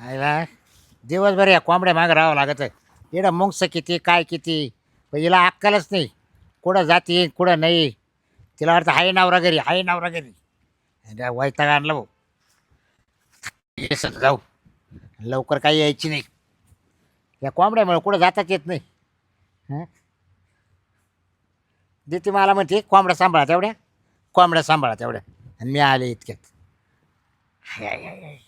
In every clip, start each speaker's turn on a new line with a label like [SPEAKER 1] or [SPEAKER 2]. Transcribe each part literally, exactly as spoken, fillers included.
[SPEAKER 1] आयला दिवसभर या कोंबड्या मागं राहावं लागत इकडं मुंगस किती काय किती पण हिला अक्कलच नाही. कुठं जाते कुठं नाही. तिला वाटतं हाय नवरा घरी हाय नवरा घरी. अरे वैताग आणला भाऊ. ये सर जाऊ लवकर काही यायची नाही. या कोंबड्यामुळे कुठं जाताच येत नाही. हं देते मला म्हणते कोंबड्या सांभाळा तेवढ्या कोंबड्या सांभाळा तेवढ्या आणि मी आले इतक्यात. हाय, हाय, हाय, हाय.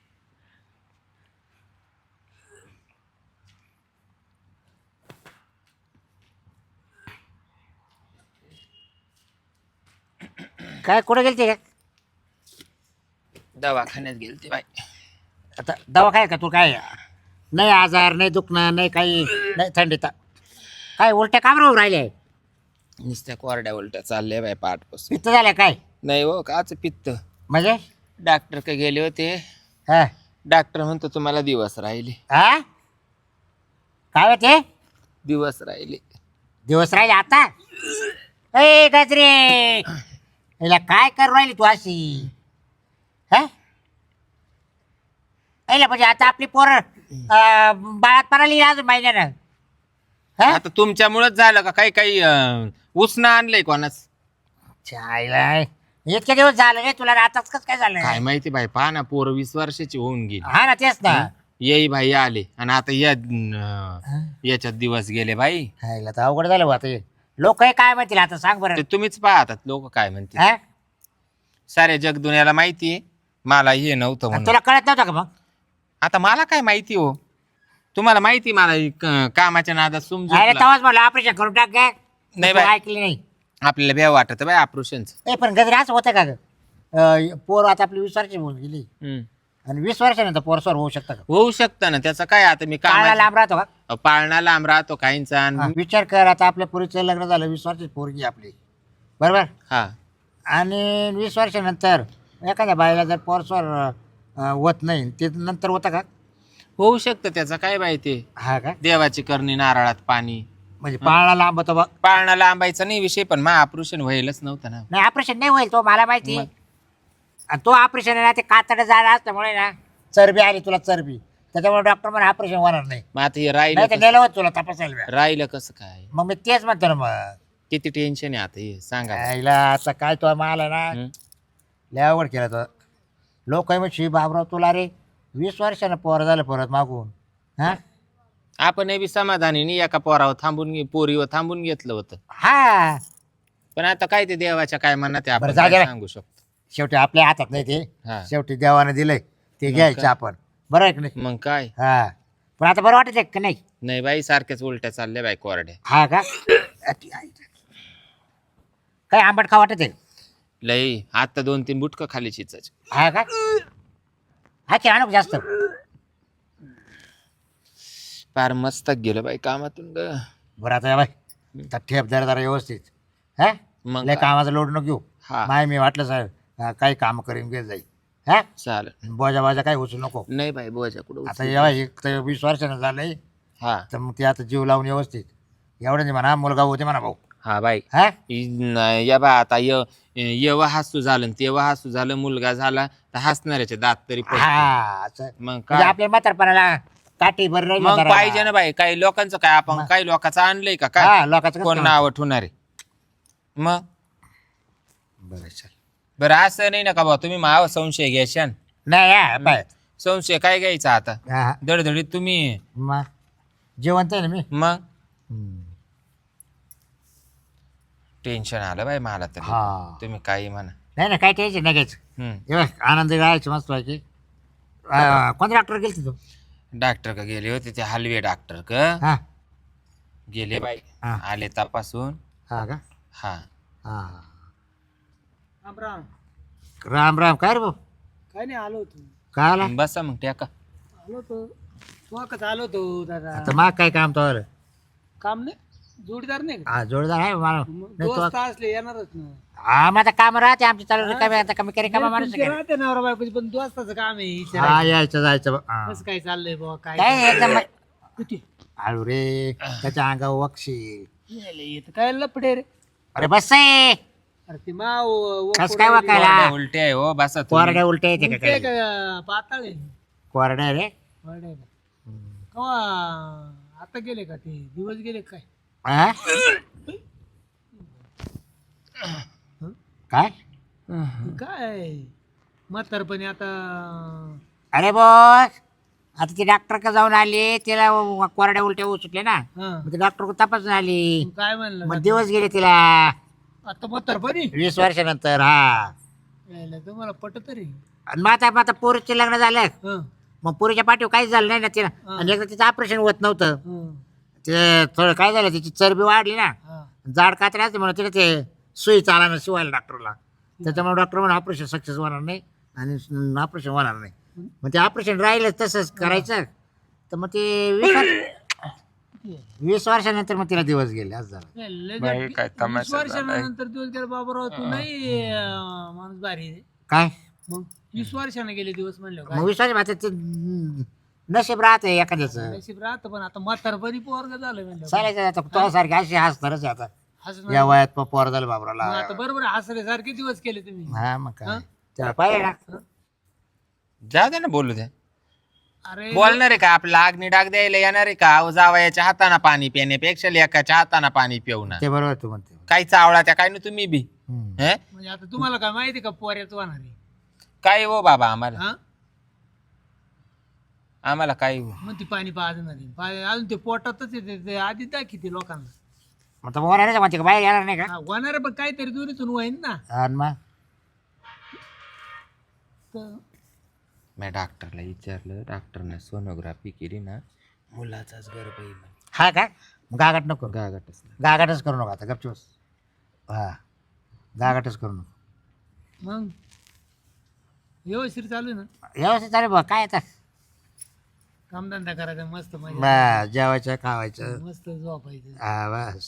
[SPEAKER 1] काय कुठे गेलते का
[SPEAKER 2] दवाखान्यात गेलते बाई.
[SPEAKER 1] आता दवाखान्यात का तू काय नाही आजार नाही दुखणं नाही काही नाही थंडीत काय उलट्या काम राहून राहिले
[SPEAKER 2] नुसत्या कोरड्या उलट्या चालल्या बाई पाठपासून.
[SPEAKER 1] पित्त झालं काय
[SPEAKER 2] नाही हो काच पित्त.
[SPEAKER 1] म्हणजे
[SPEAKER 2] डॉक्टर का गेले होते.
[SPEAKER 1] हा
[SPEAKER 2] डॉक्टर म्हणतो तुम्हाला दिवस राहिले.
[SPEAKER 1] हा काय होते
[SPEAKER 2] दिवस राहिले.
[SPEAKER 1] दिवस राहिले आता. ए गजरे हिला काय करू राहिली तू अशी हा ऐला म्हणजे आता आपली पोरं अं, बाळात पडाली अजून महिन्यानं. हा
[SPEAKER 2] आता तुमच्यामुळेच झालं का काही काही अं, उसनं आणलंय कोणाच
[SPEAKER 1] चायला इतके दिवस झाले रे तुला आताच कसं काय झालं
[SPEAKER 2] काय माहिती बाई. पहा ना पोर वीस वर्षाची होऊन गेली.
[SPEAKER 1] हा ना तेच ना.
[SPEAKER 2] येई भाई आले आणि आता या अं, याच्यात दिवस गेले बाई.
[SPEAKER 1] हायला तर अवघड झालं बा आता. लोक काय म्हणतील आता सांग बरं.
[SPEAKER 2] ते तुम्हीच पाहतात लोक काय म्हणतील.
[SPEAKER 1] हा?
[SPEAKER 2] साऱ्या जगदुन्याला माहितीये मला हे नव्हतं
[SPEAKER 1] आणि
[SPEAKER 2] म्हणून.
[SPEAKER 1] तुला कळत नव्हतं का मग.
[SPEAKER 2] आता मला काय माहिती हो. तुम्हाला माहिती मला ही क- कामाच्या नादात
[SPEAKER 1] अरे
[SPEAKER 2] समजून
[SPEAKER 1] तेव्हाच मला ऑपरेशन करून टाक काय
[SPEAKER 2] नाही
[SPEAKER 1] तू
[SPEAKER 2] बाई.
[SPEAKER 1] ऐकली नाही.
[SPEAKER 2] आपल्याला भ्या वाटत बाय ऑपरेशनच.
[SPEAKER 1] ए पण गजरे असं होतं का ग अं, पोर आता आपली वीस वर्षाची होऊन गेली आणि वीस वर्षानंतर पोरसवर होऊ शकतं का.
[SPEAKER 2] होऊ शकतं ना त्याचं काय. आता मी
[SPEAKER 1] काळा
[SPEAKER 2] काम
[SPEAKER 1] लांब राहतो का.
[SPEAKER 2] पाळणा लांब राहतो काहींचा
[SPEAKER 1] हा,
[SPEAKER 2] आणि-
[SPEAKER 1] विचार कर आता आपल्या पोरीचं लग्न झालं वीस वर्षाची पोरगी आपली बरोबर
[SPEAKER 2] हा
[SPEAKER 1] आणि वीस वर्षानंतर एखाद्या बाईला जर पोरसवर होत नाही ते नंतर होतं का.
[SPEAKER 2] होऊ शकतं त्याचं काय माहिती.
[SPEAKER 1] हा का
[SPEAKER 2] देवाची करणी नारळात पाणी.
[SPEAKER 1] म्हणजे पाळणा लांब होतो बा.
[SPEAKER 2] पाळणा लांबायचा नाही विषय पण मा ऑपरेशन व्हायलाच नव्हतं ना.
[SPEAKER 1] नाही ऑपरेशन नाही होईल तो मला माहिती.
[SPEAKER 2] मग?
[SPEAKER 1] आणि तो ऑपरेशन आहे ना ते कातडं जायला असल्यामुळे ना चरबी आली तुला चरबी त्याच्यामुळे डॉक्टर मला ऑपरेशन होणार नाही.
[SPEAKER 2] मग आता हे राहिलं
[SPEAKER 1] नाही तर
[SPEAKER 2] कसं-
[SPEAKER 1] नेलं होत तुला तपासायला वेळ.
[SPEAKER 2] राहिलं कसं काय.
[SPEAKER 1] मग मी तेच म्हणतो ना मग
[SPEAKER 2] किती टेन्शन आहे आता हे सांगा.
[SPEAKER 1] आईला आता काय तो मला ना
[SPEAKER 2] हं?
[SPEAKER 1] लय आवड केला तो लोक मग शी बाबराव तुला रे वीस वर्षानं पोर झालं परत मागून हा
[SPEAKER 2] आपण हे बी समाधानी नाही एका पोरावर थांबून घे- पोरीवर थांबून घेतलं होतं.
[SPEAKER 1] हा
[SPEAKER 2] पण आता काय ते देवाच्या काय मनात आहे
[SPEAKER 1] बरं,
[SPEAKER 2] आपण
[SPEAKER 1] जाऊ दे
[SPEAKER 2] काय
[SPEAKER 1] बाई.
[SPEAKER 2] सांगू शकतो.
[SPEAKER 1] शेवटी आपल्या हातात नाही ते
[SPEAKER 2] हा
[SPEAKER 1] शेवटी देवाने दिलंय ते घ्यायचं
[SPEAKER 2] काय?
[SPEAKER 1] आपण बरं आहे की नाही.
[SPEAKER 2] मग काय.
[SPEAKER 1] हा पण आता बरं वाटत आहे का नाही.
[SPEAKER 2] नाही बाई सारख्याच उलट्या चालल्या बाई कोरड्या.
[SPEAKER 1] हा का काय आंबट खा वाटत आहे.
[SPEAKER 2] लई आता दोन तीन बुटकं खाली चिचाचे.
[SPEAKER 1] हा का हा की आणू का जास्त.
[SPEAKER 2] फार मस्त गेलं बाई कामातून ग.
[SPEAKER 1] बरं आता बाय तर ठेप जरा जरा व्यवस्थित हा
[SPEAKER 2] मग
[SPEAKER 1] लय
[SPEAKER 2] काय?
[SPEAKER 1] कामाचा लोड नको घेऊ.
[SPEAKER 2] हा
[SPEAKER 1] माय मी वाटलं साहेब हा, काही काम करीन घेत जाईल हा
[SPEAKER 2] चालेल.
[SPEAKER 1] बोजा बाजा काही उचलू नको.
[SPEAKER 2] नाही बाई बोजा कुठं
[SPEAKER 1] आता
[SPEAKER 2] उचलू.
[SPEAKER 1] एव्हा एक तर वीस वर्षानं झालंय
[SPEAKER 2] हा
[SPEAKER 1] तर मग ते आता जीव लावून व्यवस्थित एवढं नाही म्हणा मुलगा होते म्हणा भाऊ
[SPEAKER 2] हा बाई
[SPEAKER 1] हा
[SPEAKER 2] इ- न- या बा आता य येवा हसू झालं न तेव्हा हसू झालं मुलगा झाला तर हसणाऱ्याचे दात तरी पडतील.
[SPEAKER 1] हा असं
[SPEAKER 2] मग
[SPEAKER 1] म्हणजे
[SPEAKER 2] काय
[SPEAKER 1] आपल्या म्हातारपणाला काठी भर राहील
[SPEAKER 2] मग
[SPEAKER 1] म्हाताराला.
[SPEAKER 2] पाहिजे ना बाई काही लोकांचं काय आपण काही लोकांचं आणलंय का काय
[SPEAKER 1] हा लोकांचं कसं
[SPEAKER 2] कोण
[SPEAKER 1] काय
[SPEAKER 2] नाव ठेवणार आहे. मग
[SPEAKER 1] म्हणतं? बरं चल
[SPEAKER 2] बरं असं नाही ना का बा तुम्ही माव संशय घ्याशान.
[SPEAKER 1] नाही हा, पाय
[SPEAKER 2] संशय काय घ्यायचा आता
[SPEAKER 1] हा हा.
[SPEAKER 2] दडधडीत तुम्ही.
[SPEAKER 1] मग जेवण आहे ना मी
[SPEAKER 2] मग
[SPEAKER 1] हम्म.
[SPEAKER 2] टेन्शन आलं बाई मला तर.
[SPEAKER 1] हा
[SPEAKER 2] तुम्ही काही म्हणा.
[SPEAKER 1] नाही ना काय टेन्शन नाही घ्यायचं
[SPEAKER 2] हम्म.
[SPEAKER 1] हे बघ आनंद राहायचं मस्त व्हायची कोणत्या डॉक्टर गेलती तू.
[SPEAKER 2] डॉक्टर का गेले होते ते हलवे डॉक्टर का
[SPEAKER 1] हा
[SPEAKER 2] गेले बाई.
[SPEAKER 1] हा.
[SPEAKER 2] आले तपासून.
[SPEAKER 1] हा का
[SPEAKER 2] हा
[SPEAKER 1] हा
[SPEAKER 3] राम राम.
[SPEAKER 1] राम राम काय रे भाऊ
[SPEAKER 3] काय नाही आलो होतो
[SPEAKER 1] काय आला
[SPEAKER 2] बसा मग ट्याका.
[SPEAKER 3] आलो होतो तू कसं आलो होतो दादा.
[SPEAKER 1] आता माग काय काम तो
[SPEAKER 3] काम नाही जोडीदार नाही का
[SPEAKER 1] हा जोडदार आहे मला
[SPEAKER 3] मग
[SPEAKER 1] नाही तो
[SPEAKER 3] दोस्त असले येणारच ना.
[SPEAKER 1] हा मग आता काम राहते आमची चालू रिकामी आता कमी करी कामा माणूस
[SPEAKER 3] तुमचे राहते नवरा बायकोची पण दोस्ताचं काम आहे
[SPEAKER 1] हा
[SPEAKER 3] विचारायचं.
[SPEAKER 1] यायचं जायचं हा.
[SPEAKER 3] कसं काय चाललंय बाबा काय
[SPEAKER 1] काय नाही, एकदम
[SPEAKER 3] किती
[SPEAKER 1] हळू रे त्याच्या अंगावर वक्षी
[SPEAKER 3] यायला येतं काय लपडे रे.
[SPEAKER 1] अरे बस आहे
[SPEAKER 3] अरे ती माव
[SPEAKER 1] कस काय वाकायला
[SPEAKER 2] कोरड्या उलट्या आहे हो बसा तुम्ही.
[SPEAKER 1] कोरड्या उलट्या येते का
[SPEAKER 3] उलटे
[SPEAKER 1] काय
[SPEAKER 3] का पाताळ आहे.
[SPEAKER 1] कोरड्या रे
[SPEAKER 3] बरं कवा आता गेले का ते दिवस गेले काय
[SPEAKER 1] हा? काय
[SPEAKER 3] काय म्हातारपणी आता
[SPEAKER 1] अरे बॉस आता ती डॉक्टर का जाऊन आली तिला कोरड्या उलट्या सुटले ना
[SPEAKER 3] हा
[SPEAKER 1] मग ती डॉक्टर तपासून आली
[SPEAKER 3] काय म्हणलं
[SPEAKER 1] मग दिवस गेले तिला
[SPEAKER 3] आता म्हातारपणी
[SPEAKER 1] वीस वर्षानंतर हा
[SPEAKER 3] यायला तुम्हाला पटत तरी
[SPEAKER 1] आणि मग आता मग आता पोरीचे लग्न झालं
[SPEAKER 3] हं,
[SPEAKER 1] मग पोरीच्या पाठीवर काहीच झालं नाही ना तिला
[SPEAKER 3] हा.
[SPEAKER 1] आणि एकदा तिचं ऑपरेशन होत नव्हतं
[SPEAKER 3] हं,
[SPEAKER 1] ते थोडं काय झालं तिची चरबी वाढली ना
[SPEAKER 3] हा.
[SPEAKER 1] जाड कात्रे असते म्हणून तिला ते सुई चालायला शिवायला डॉक्टरला त्याच्यामुळे डॉक्टर म्हणून ऑपरेशन सक्सेस होणार नाही आणि ऑपरेशन होणार नाही मग ते ऑपरेशन राहिलं तसंच करायचं तर मग ते वीस वर्ष वीस वर्षानंतर मग तिला दिवस गेले असं झालं
[SPEAKER 3] नाही, लय
[SPEAKER 2] बाई,
[SPEAKER 3] वीस
[SPEAKER 2] काय तमाशा
[SPEAKER 3] वर्षानंतर दिवस गेला बाबूराव तू नाही अं, माणूस भारी आहे.
[SPEAKER 1] काय
[SPEAKER 3] मग वीस वर्षाने गेले दिवस म्हणले
[SPEAKER 1] मग वीस वर्ष आता ते नशीब राहते एखाद्याचं
[SPEAKER 3] नशीब राहतं पण आता म्हातारपणी पोरग झालं म्हणलं
[SPEAKER 1] चालायचं आता तुझ्यासारखे अशी हसणारच आहे आता
[SPEAKER 3] हसत
[SPEAKER 1] या वयात प- पोर झालं
[SPEAKER 3] मग
[SPEAKER 1] बाबराला
[SPEAKER 3] आता बरोबर हसल्यासारखे दिवस केले तुम्ही
[SPEAKER 1] हा मग
[SPEAKER 3] हा?
[SPEAKER 1] काय त्याला पाहिजे ना
[SPEAKER 2] जा दे ना बोलू दे
[SPEAKER 3] अरे
[SPEAKER 2] बोलणार आहे का आपला अग्नी डाग द्यायला येणार आहे का अहो, जावयाच्या हाताना पाणी पिण्यापेक्षा लेकाच्या हाताना पाणी पिऊ ना
[SPEAKER 1] ते बरोबर तू म्हणते
[SPEAKER 2] काही चावळा त्या काय ना तुम्ही बी
[SPEAKER 1] हम्म.
[SPEAKER 2] हे
[SPEAKER 3] म्हणजे आता तुम्हाला काय माहिती का पोऱ्याच होणार आहे
[SPEAKER 2] काय हो बाबा आम्हाला
[SPEAKER 3] हा
[SPEAKER 2] आम्हाला काय हो
[SPEAKER 3] मग ती पाणी पाजणार आहे. पा- अजून ते पोटातच येते ते आधी दाखी ते लोकांना
[SPEAKER 1] मग तर बोलायला म्हणते का बाहेर येणार नाही का
[SPEAKER 3] हा, होणार आहे पण काहीतरी दुरीतून होईन ना
[SPEAKER 1] आणि मग
[SPEAKER 3] तर
[SPEAKER 2] मी डॉक्टरला विचारलं डॉक्टरने सोनोग्राफी केली ना मुलाचाच गर्भ आहे म्हणे.
[SPEAKER 1] हा का मग गागाट नको
[SPEAKER 2] गागाटच नाही.
[SPEAKER 1] गागाटच करू नका आता गपचूस हा गागाटच करू नको
[SPEAKER 3] मग व्यवस्थित चालू आहे ना
[SPEAKER 1] व्यवस्थित चालेल बघ काय आता
[SPEAKER 3] कामधंदा करायचा मस्त मजा
[SPEAKER 1] बस जेवायचं खावायचं
[SPEAKER 3] मस्त झोपायचं
[SPEAKER 1] हा बस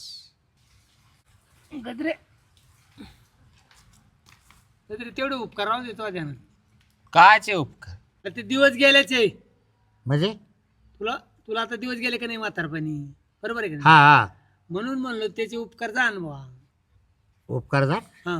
[SPEAKER 3] गजरे गजरे तेवढे उपकार राहून देतो त्यानं
[SPEAKER 2] काचे उपकार
[SPEAKER 3] ते दिवस गेल्याचे
[SPEAKER 1] म्हणजे
[SPEAKER 3] तुला तुला आता दिवस गेले का नाही म्हातारपणी बरोबर आहे का
[SPEAKER 1] हा
[SPEAKER 3] नाही
[SPEAKER 1] हा
[SPEAKER 3] म्हणून म्हणलो त्याचे उपकार जाण बा
[SPEAKER 1] उपकार जा
[SPEAKER 3] हा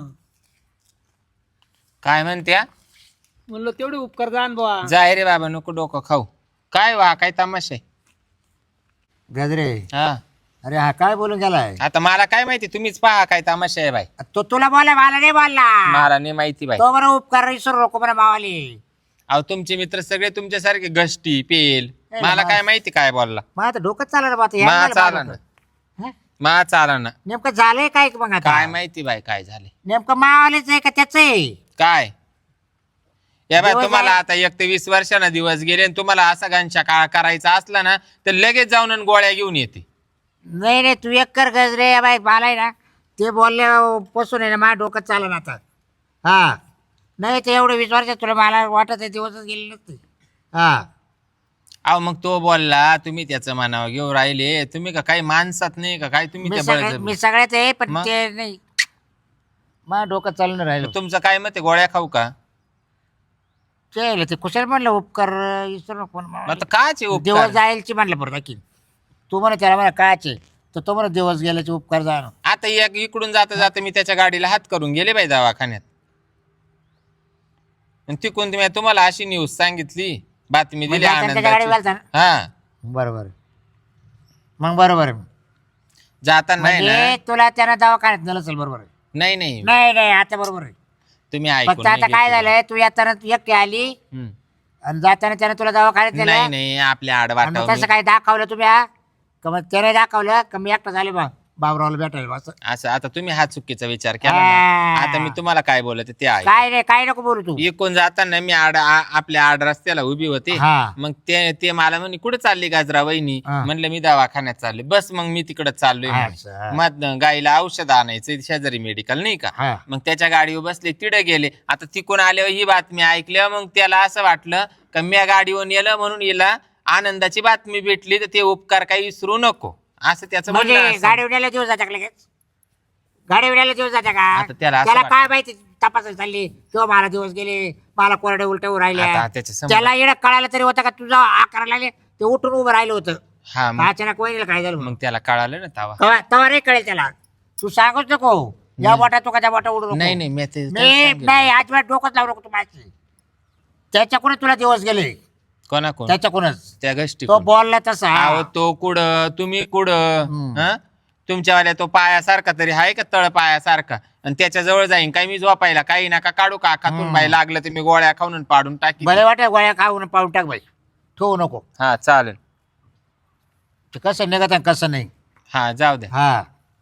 [SPEAKER 2] काय म्हणत्या
[SPEAKER 3] म्हणलो तेवढे उपकार जाण बा
[SPEAKER 2] जाय रे बाबा नको डोकं खाऊ काय वा काय तमाशा आहे
[SPEAKER 1] गजरे
[SPEAKER 2] हा
[SPEAKER 1] अरे हा काय बोलून गेलाय
[SPEAKER 2] आता मला काय माहिती तुम्हीच पहा काय तमाशा आहे बाई
[SPEAKER 1] तो तुला बोला मला नाही बोलला
[SPEAKER 2] मला नाही माहिती बाई
[SPEAKER 1] तो बरं उपकार विसरू नको बरं मावाली
[SPEAKER 2] अहो तुमचे मित्र सगळे तुमच्यासारखे गष्टी पेल
[SPEAKER 1] ए,
[SPEAKER 2] मला
[SPEAKER 1] बा.
[SPEAKER 2] काय माहिती काय बोलला
[SPEAKER 1] मग आता डोकंच चाललं ना बा आता.
[SPEAKER 2] मा
[SPEAKER 1] यायला
[SPEAKER 2] चाला
[SPEAKER 1] मला
[SPEAKER 2] ना
[SPEAKER 1] हं?
[SPEAKER 2] मा चाला ना
[SPEAKER 1] नेमकं झालंय काय मग आता
[SPEAKER 2] काय माहिती बाई काय झाले
[SPEAKER 1] नेमकं मावालीच आहे का त्याच आहे
[SPEAKER 2] काय या बाय
[SPEAKER 1] दिवस
[SPEAKER 2] तुम्हाला
[SPEAKER 1] आहे.
[SPEAKER 2] आता एक ते वीस वर्षांना दिवस गेले आणि तुम्हाला असा घनशा काळ करायचा असला ना तर लगेच जाऊन आणि गोळ्या घेऊन येते
[SPEAKER 1] नाही नाही तू एक कर गजरे बाई मला आहे ना ते बोलले पसून आहे ना माझ्या डोकं चाललं ना आता हा नाही ते एवढं वीस वर्षात तुला मला वाटत आहे दिवसच गेले नसते हा
[SPEAKER 2] अहो मग तो बोलला तुम्ही त्याचं मानावं घेऊन राहिले तुम्ही का काही माणसात नाही का काय तुम्ही
[SPEAKER 1] मी
[SPEAKER 2] त्या
[SPEAKER 1] सगळ्यात
[SPEAKER 2] बळजबरी-
[SPEAKER 1] मी सगळ्यात आहे पण
[SPEAKER 2] मग?
[SPEAKER 1] ते नाही माझं डोकं चालून राहिलं
[SPEAKER 2] तुमचं काय मत आहे गोळ्या खाऊ का
[SPEAKER 1] ते ते कुशल म्हणलं उपकार विसरू नको
[SPEAKER 2] मग
[SPEAKER 1] म्हणून.
[SPEAKER 2] आता काचे
[SPEAKER 1] दिवस
[SPEAKER 2] उपकार
[SPEAKER 1] जायलची म्हणलं परत की तू म्हणा त्याला म्हणा कायचे तर तो म्हणा दिवस गेल्याचे उपकार जाणं
[SPEAKER 2] आता एक इकडून जाता जाता मी त्याच्या गाडीला हात करून गेले बाई दवाखान्यात आणि तिकडून तुम्ही तुम्हाला अशी न्यूज सांगितली बातमी दिली
[SPEAKER 1] म्हणजे आता त्याच्या गाडीवर
[SPEAKER 2] आनंदाची
[SPEAKER 1] घालता ना?
[SPEAKER 2] हा
[SPEAKER 1] बरोबर मग बरोबर आहे.
[SPEAKER 2] जाता नाही
[SPEAKER 1] म्हणजे
[SPEAKER 2] ना
[SPEAKER 1] तुला त्यानं दवाखान्यात नेलं असेल बरोबर आहे.
[SPEAKER 2] नाही नाही
[SPEAKER 1] नाही नाही आता बरोबर आहे
[SPEAKER 2] तुम्ही ऐकून
[SPEAKER 1] फक्त आता
[SPEAKER 2] नाही
[SPEAKER 1] काय
[SPEAKER 2] घेतलं.
[SPEAKER 1] झालंय तू येताना तू एकटी आली
[SPEAKER 2] हम्म.
[SPEAKER 1] आणि जाताना त्यानं तुला दवाखान्यात
[SPEAKER 2] नाही
[SPEAKER 1] नेलं
[SPEAKER 2] नाही आपल्या
[SPEAKER 1] आणि मग
[SPEAKER 2] आडवाटावर
[SPEAKER 1] तसं काय दाखवलं तुम्ही हा? का मग त्याने दाखवलं का मी एकटा झाले बा बाबरावला भेटायला असं
[SPEAKER 2] असं आता तुम्ही हा चुकीचा विचार केला ना.
[SPEAKER 1] हा.
[SPEAKER 2] आता मी तुम्हाला काय बोलत ते आहे
[SPEAKER 1] काय नाही काय नको बोलू तू
[SPEAKER 2] इकून जाताना मी आड आ- आपल्या आड रस्त्याला उभी होते
[SPEAKER 1] हा.
[SPEAKER 2] मग ते ते मला म्हणे कुठे चालली गाजरा वहिनी
[SPEAKER 1] हा.
[SPEAKER 2] म्हणलं मी दवाखान्यात चालले बस मग मी तिकडे चाललोय म्हणे.
[SPEAKER 1] असं, हा.
[SPEAKER 2] मग गाईला औषध आणायचं शेजारी मेडिकल नाही का
[SPEAKER 1] हा.
[SPEAKER 2] मग त्याच्या गाडीवर बसले तिडे गेले आता तिकून आल्यावर ही बातमी ऐकल्यावर मग त्याला असं वाटलं का मी गाडीवर नेलं म्हणून हिला आनंदाची बातमी भेटली तर ते उपकार काही विसरू नको असं त्याचं म्हणणं
[SPEAKER 1] म्हणजे
[SPEAKER 2] असेल.
[SPEAKER 1] गाडी उडायला दिवस जात्या का लगेच गाडी उडायला दिवस जात्या का
[SPEAKER 2] आता त्याला असं
[SPEAKER 1] त्याला
[SPEAKER 2] वाटतं.
[SPEAKER 1] काय माहिती तपासायला चालली किंवा मला दिवस गेले मला कोरडे उलटे राहिल्या
[SPEAKER 2] आता त्याच्या समोर-
[SPEAKER 1] त्याला येणं कळायला तरी होतं का तुझा आ करायला लागले ते उठून उभं राहिलं होतं
[SPEAKER 2] हा मग
[SPEAKER 1] अचानक वहिनीला काय झालं
[SPEAKER 2] मग त्याला कळालं ना तवा
[SPEAKER 1] तवा तवा नाही कळेल त्याला तू सांगूच नको या बोटा तो का त्या बोटा उडू नको
[SPEAKER 2] नाही नाही मी ते-
[SPEAKER 1] मी नाही अजिबात डोकंच लावू नको तू माझी त्याच्याकडे तुला दिवस गेले
[SPEAKER 2] कोणा कोण
[SPEAKER 1] त्याच्याकडूनच
[SPEAKER 2] त्या गोष्टी
[SPEAKER 1] तो बोलला तसा
[SPEAKER 2] अहो तो कुठं तुम्ही कुठं
[SPEAKER 1] हम्म.
[SPEAKER 2] हं? तुमच्यावाल्या तो पायासारखा तरी आहे का तळ पायासारखा आणि त्याच्या जवळ जाईन काय मी झोपायला काही नका काढू का खातून बाई लागलं तर मी गोळ्या खाऊन पाडून टाकी
[SPEAKER 1] बरे वाटत गोळ्या खाऊन पाहून टाक बाई ठेवू नको
[SPEAKER 2] हा चालेल
[SPEAKER 1] ते कसं निघत आणि कसं नाही
[SPEAKER 2] हा जाऊ द्या
[SPEAKER 1] हा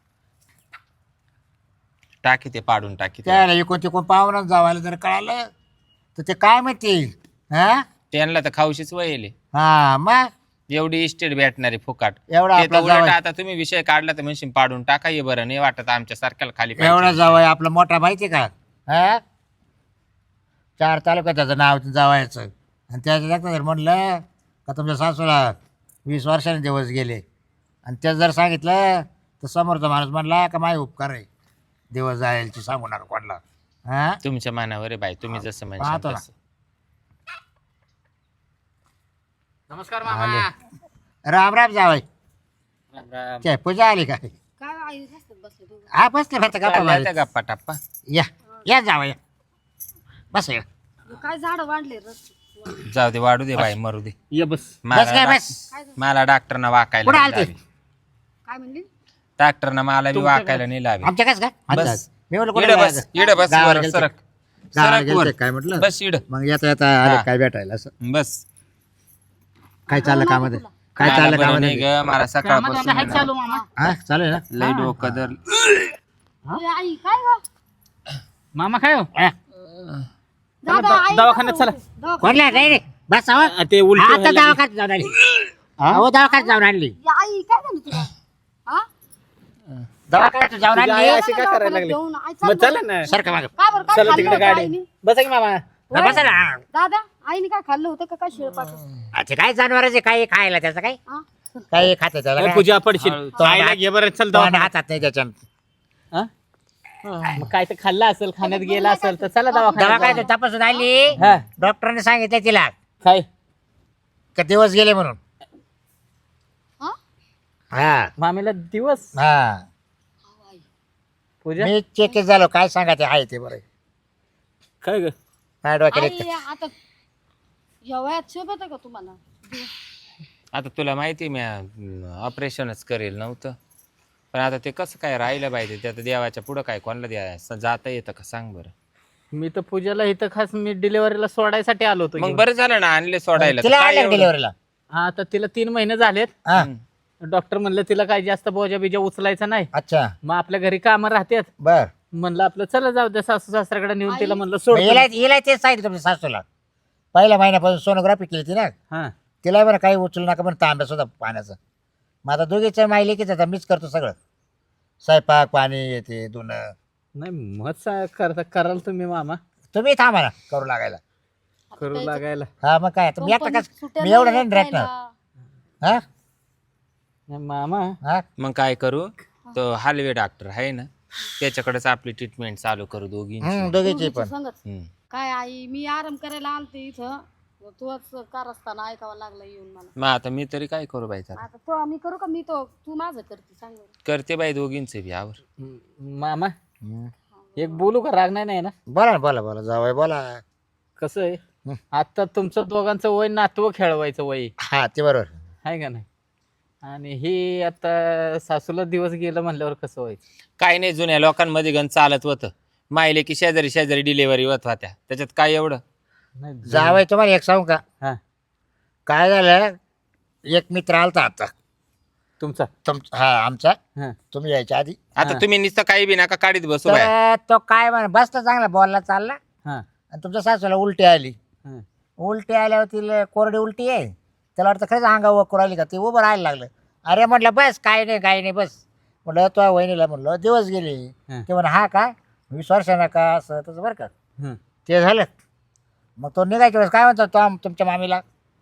[SPEAKER 2] टाकी ते पाडून टाकी ते.
[SPEAKER 1] त्याला इकून तिकून पाहुणच जावायला जर कळालं तर ते काय माहिती हा
[SPEAKER 2] त्यांना तर खाऊशीच वयले
[SPEAKER 1] हा मग
[SPEAKER 2] एवढी इस्टेट भेटणारी फुकाट
[SPEAKER 1] एवढा
[SPEAKER 2] ते तर
[SPEAKER 1] आपला
[SPEAKER 2] उलट
[SPEAKER 1] जावई
[SPEAKER 2] आता तुम्ही विषय काढला तर म्हणशील पाडून टाका ये बरं नाही वाटत आमच्या सारख्याला खाली पाहिजे.
[SPEAKER 1] एवढा जावय आपला मोठा माहिती का हा चार तालुक्यात त्याचं नाव जावायचं आणि त्याच्या जर म्हणलं का तुमच्या सासूला वीस वर्षांनी दिवस गेले आणि त्याच जर सांगितलं तर समोरचा माणूस म्हणला का माय उपकार आहे दिवस जायची सांगू नका कोणाला हा
[SPEAKER 2] तुमच्या मनावर आहे बाई तुम्ही जसं
[SPEAKER 1] पाहतो
[SPEAKER 2] म्हणशाल
[SPEAKER 1] ना.
[SPEAKER 2] तसं.
[SPEAKER 3] नमस्कार
[SPEAKER 1] आले. राम राम जावय काय पूजा आली काय
[SPEAKER 4] काय आई हसत बसले दोघं.
[SPEAKER 1] हा बसले फक्त गप्पा
[SPEAKER 2] चालल्या
[SPEAKER 1] मारत.
[SPEAKER 2] त्या गप्पा टप्पा
[SPEAKER 1] या या जावं या बस या
[SPEAKER 4] काय झाड वाढले रस्ते
[SPEAKER 2] जाऊ दे वाढू दे बाई मरू दे
[SPEAKER 3] ये बस
[SPEAKER 1] बस काय
[SPEAKER 2] मला
[SPEAKER 1] बस
[SPEAKER 4] काय झालं?
[SPEAKER 2] मला डॉक्टरना वाकायला
[SPEAKER 1] कुठं
[SPEAKER 2] नाही
[SPEAKER 1] आलते?
[SPEAKER 2] लावी.
[SPEAKER 4] काय म्हणली
[SPEAKER 2] डॉक्टरना मला बी
[SPEAKER 3] तुमच्या
[SPEAKER 2] वाकायला नाही लावी
[SPEAKER 1] आमच्या कस काय
[SPEAKER 2] बस.
[SPEAKER 1] अच्छा. मी म्हणलं
[SPEAKER 2] इडं
[SPEAKER 1] कुठे
[SPEAKER 2] बस इडं बस
[SPEAKER 1] गावाला
[SPEAKER 2] वर
[SPEAKER 1] गेलते.
[SPEAKER 2] सरक
[SPEAKER 1] गावाला
[SPEAKER 2] सरक
[SPEAKER 1] गेलते
[SPEAKER 2] वर
[SPEAKER 1] काय म्हटलं
[SPEAKER 2] बस इड
[SPEAKER 1] मग येता येता आले
[SPEAKER 2] हा.
[SPEAKER 1] काय भेटायला असं
[SPEAKER 2] बस
[SPEAKER 1] काय चाललं कामध्ये काय
[SPEAKER 2] मला
[SPEAKER 1] चाललं
[SPEAKER 2] बरं नाही
[SPEAKER 1] कामध्ये
[SPEAKER 2] ग मला सकाळपासून
[SPEAKER 3] हाय चालू मामा
[SPEAKER 1] हा चालेल ना
[SPEAKER 2] लय डोकं धर
[SPEAKER 4] ए, आई काय गं?
[SPEAKER 3] मामा काय हो
[SPEAKER 1] हा.
[SPEAKER 4] दादा,
[SPEAKER 3] द-
[SPEAKER 4] आई
[SPEAKER 3] दवाखान्यात
[SPEAKER 4] काय
[SPEAKER 3] चला.
[SPEAKER 4] म्हणते? दवाखान्यात.
[SPEAKER 1] कोणला नाही रे बस अहो.
[SPEAKER 3] आ, ते उलटी
[SPEAKER 1] आता
[SPEAKER 3] व्हायला लागली.
[SPEAKER 1] दवाखान्यात जाऊन आली अहो दवाखान्यात जाऊन आणली
[SPEAKER 4] या, आई काय झालं तुला हा?
[SPEAKER 1] दवाखान्यात जाऊन
[SPEAKER 3] तुझी आई
[SPEAKER 1] आणली
[SPEAKER 3] अशी काय करायला लागली
[SPEAKER 4] घेऊन आई चाल
[SPEAKER 3] मग चला
[SPEAKER 4] बरं.
[SPEAKER 3] ना
[SPEAKER 1] सर का माग
[SPEAKER 4] काय बरं काय
[SPEAKER 3] चला
[SPEAKER 4] खाल्लं
[SPEAKER 3] तिकडे
[SPEAKER 4] होतं
[SPEAKER 3] गाडी
[SPEAKER 4] आईने?
[SPEAKER 3] बसा की मामा
[SPEAKER 1] बसा ना
[SPEAKER 4] दादा आईने काय खाल्लं होतं का काय शिळपाट
[SPEAKER 1] अच्छा काय जनावरांचे काही खायला त्याचं काय काही खाते त्याला
[SPEAKER 3] ए,
[SPEAKER 1] काय?
[SPEAKER 3] पूजा पडशील
[SPEAKER 1] तो
[SPEAKER 3] आईला
[SPEAKER 1] हात-
[SPEAKER 3] घे बरं चल
[SPEAKER 1] तोंड
[SPEAKER 3] दवाखान्यात.
[SPEAKER 1] हातात नाही त्याच्या
[SPEAKER 3] हा? मग काय तर खाल्लं असेल खाण्यात गेला असेल तर चला दवाखान्यात
[SPEAKER 1] दवा
[SPEAKER 3] जाऊ.
[SPEAKER 1] काय तपासून आली
[SPEAKER 3] हा
[SPEAKER 1] डॉक्टरने सांगितलं तिला
[SPEAKER 3] काय
[SPEAKER 1] का दिवस गेले म्हणून
[SPEAKER 4] हा
[SPEAKER 1] हा
[SPEAKER 3] मामीला दिवस
[SPEAKER 1] हा
[SPEAKER 3] पूजा
[SPEAKER 1] मी चेक झालो काय सांगा ते आहे ते बरं
[SPEAKER 3] काय ग
[SPEAKER 1] काय डोक्यात
[SPEAKER 4] आई आता या वयात शोभत का तुम्हाला
[SPEAKER 2] आता तुला माहिती मी ऑपरेशनच करेल नव्हतं पण आता ते कसं काय राहिलं पाहिजे ते आता देवाच्या पुढं काय कोणाला द्या जाता येतं का सांग बरं
[SPEAKER 3] मी तर पूजाला इथं खास मी डिलिव्हरीला सोडायसाठी आलो होतो
[SPEAKER 2] मग
[SPEAKER 3] घेऊन.
[SPEAKER 2] बरं झालं ना आणले सोडायला तर
[SPEAKER 1] तिला
[SPEAKER 2] काय
[SPEAKER 1] आणलं
[SPEAKER 2] एवढं?
[SPEAKER 1] डिलिव्हरीला
[SPEAKER 3] हा तर तिला तीन महिने झालेत
[SPEAKER 1] हा
[SPEAKER 3] डॉक्टर म्हणलं तिला काय जास्त बोजा बिजा उचलायचा नाही
[SPEAKER 1] अच्छा
[SPEAKER 3] मग आपल्या घरी कामं राहतात
[SPEAKER 1] बर
[SPEAKER 3] म्हणलं आपलं चला जाऊ द्या सासू सासऱ्याकडे नेऊन तिला म्हणलं सोड
[SPEAKER 1] हिला हिला तेच सांगितलं तुमच्या सासूला पहिल्या महिन्यापासून सोनोग्राफी केली ती ना
[SPEAKER 3] हा
[SPEAKER 1] तिला बरं काही उचलू नका बरं तांब्या सुद्धा पाण्याचं मग आता दोघीचं माहिती की आता मीच करतो सगळं स्वयंपाक पाणी येते धुणं
[SPEAKER 3] नाही मत सा- करता कराल तुम्ही मामा
[SPEAKER 1] तुम्ही थांबा ना करू लागायला
[SPEAKER 3] करू लागायला
[SPEAKER 1] हा मग काय आता मी आता
[SPEAKER 4] कंपनीत
[SPEAKER 1] कस
[SPEAKER 4] सुट्ट्या
[SPEAKER 1] मी एवढं
[SPEAKER 4] नाही
[SPEAKER 1] नाही रेटणार
[SPEAKER 4] खायला.
[SPEAKER 1] हा
[SPEAKER 3] नाही, मामा
[SPEAKER 1] हा
[SPEAKER 2] मग काय करू तो हलवे डॉक्टर आहे ना त्याच्याकडेच आपली ट्रीटमेंट चालू करू दोघींची
[SPEAKER 1] हम्म, दोघीची
[SPEAKER 4] दोघीचं
[SPEAKER 1] पण
[SPEAKER 4] संगच.
[SPEAKER 2] हम्म.
[SPEAKER 4] काय आई मी आराम करायला आलते इथं तूच कार असताना ऐकावं लागलं येऊन मला
[SPEAKER 2] मग आता मी तरी काय करू बाई आता?
[SPEAKER 4] आता तो मी करू का मी तो तू माझं करते सांग बरं.
[SPEAKER 2] करते बाई दोघींचे बी आवर
[SPEAKER 3] म- मामा
[SPEAKER 1] हम्म.
[SPEAKER 3] एक बोलू का राग नाही नाही ना
[SPEAKER 1] बोला ना बोला बोला जावय बोला
[SPEAKER 3] कसं आहे
[SPEAKER 1] हं.
[SPEAKER 3] आता तुमचं दोघांचं वय नातवं खेळवायचं वय
[SPEAKER 1] हा ते बरोबर
[SPEAKER 3] आहे का नाही आणि ही आता सासूला दिवस गेलं म्हणल्यावर कसं व्हायचं
[SPEAKER 2] काय नाही जुन्या लोकांमध्ये गण चालत होतं माहिले की शेजारी शेजारी डिलेव्हरी होत होत्या त्याच्यात काय एवढं
[SPEAKER 3] नाही
[SPEAKER 1] जावय तुम्हाला एक सांगू का
[SPEAKER 3] हा
[SPEAKER 1] काय झालं एक मित्र आलता आता
[SPEAKER 3] तुमचा
[SPEAKER 1] तुम हा आमचा
[SPEAKER 3] हा
[SPEAKER 1] तुम्ही यायच्या आधी
[SPEAKER 2] आता
[SPEAKER 3] हा.
[SPEAKER 2] तुम्ही नुसतं काही बी नका काढीत बसू बाय
[SPEAKER 1] तर तो काय म्हण बसता चांगला बॉलला चालला
[SPEAKER 3] हा
[SPEAKER 1] आणि तुमच्या सासूला उलटी आली
[SPEAKER 3] हा
[SPEAKER 1] उलटी आल्यावर तिला कोरडी उलटी आहे त्याला वाटतं खरंच अंगावर वकरू आली का ते उभं राहायला लागलं अरे म्हटलं बस काय नाही काय नाही बस म्हटलं तो वहिनीला म्हटलं दिवस गेले
[SPEAKER 3] हा.
[SPEAKER 1] ते म्हण हा का वीस वर्षांना का असं तसं बरं का
[SPEAKER 3] हा.
[SPEAKER 1] ते झालं मग तो निघायच्या वेळेस काय म्हणतो तो आम- तुमच्या मामीला